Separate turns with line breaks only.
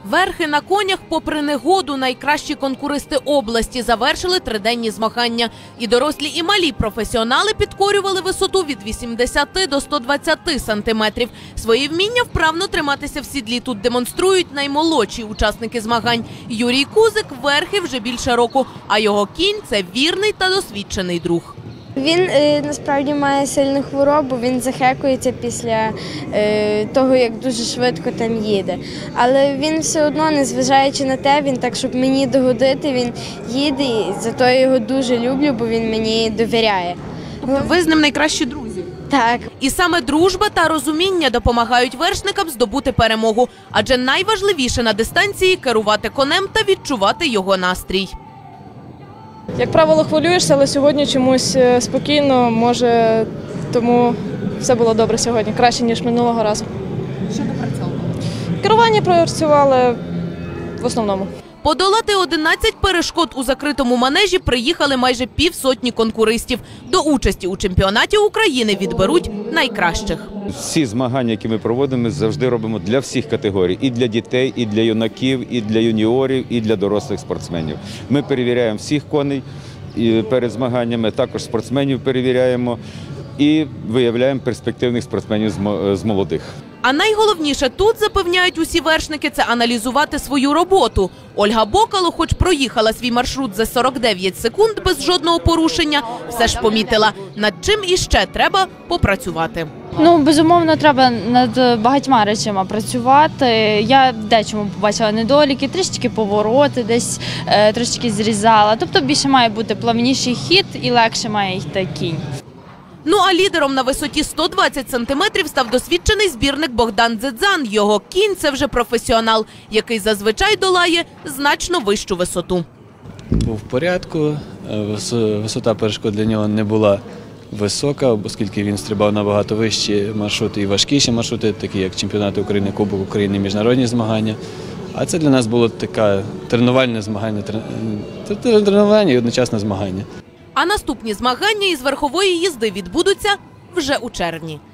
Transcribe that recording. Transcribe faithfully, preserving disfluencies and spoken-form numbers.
Верхи на конях попри негоду найкращі конкуристи області завершили триденні змагання. І дорослі, і малі професіонали підкорювали висоту від вісімдесяти до ста двадцяти сантиметрів. Свої вміння вправно триматися в сідлі тут демонструють наймолодші учасники змагань. Юрій Кузик верхи вже більше року, а його кінь – це вірний та досвідчений друг.
Він е, насправді має сильну хворобу, він захекується після е, того, як дуже швидко там їде. Але він все одно, незважаючи на те, він так, щоб мені догодити, він їде, і зато я його дуже люблю, бо він мені довіряє.
Тобто ви з ним найкращі друзі?
Так.
І саме дружба та розуміння допомагають вершникам здобути перемогу. Адже найважливіше на дистанції – керувати конем та відчувати його настрій.
Як правило, хвилюєшся, але сьогодні чомусь спокійно, може, тому все було добре сьогодні, краще, ніж минулого разу.
Що допрацьовували?
Керування працювали в основному.
Подолати одинадцять перешкод у закритому манежі приїхали майже півсотні конкуристів. До участі у чемпіонаті України відберуть найкращих.
Всі змагання, які ми проводимо, ми завжди робимо для всіх категорій. І для дітей, і для юнаків, і для юніорів, і для дорослих спортсменів. Ми перевіряємо всіх коней перед змаганнями, також спортсменів перевіряємо і виявляємо перспективних спортсменів з молодих.
А найголовніше тут, запевняють усі вершники, це аналізувати свою роботу. Ольга Бокало, хоч проїхала свій маршрут за сорок дев'ять секунд без жодного порушення, все ж помітила, над чим іще треба попрацювати.
Ну, безумовно, треба над багатьма речами працювати. Я дечому побачила недоліки, трішки повороти десь е, трошки зрізала. Тобто більше має бути плавніший хід і легше має йти кінь.
Ну а лідером на висоті сто двадцять сантиметрів став досвідчений збірник Богдан Дзедзан. Його кінь – це вже професіонал, який зазвичай долає значно вищу висоту.
Був в порядку, висота перешкод для нього не була висока, оскільки він стрибав набагато вищі маршрути і важкіші маршрути, такі як чемпіонати України, Кубок України, міжнародні змагання. А це для нас було таке тренувальне змагання, тренування і одночасне змагання.
А наступні змагання із верхової їзди відбудуться вже у червні.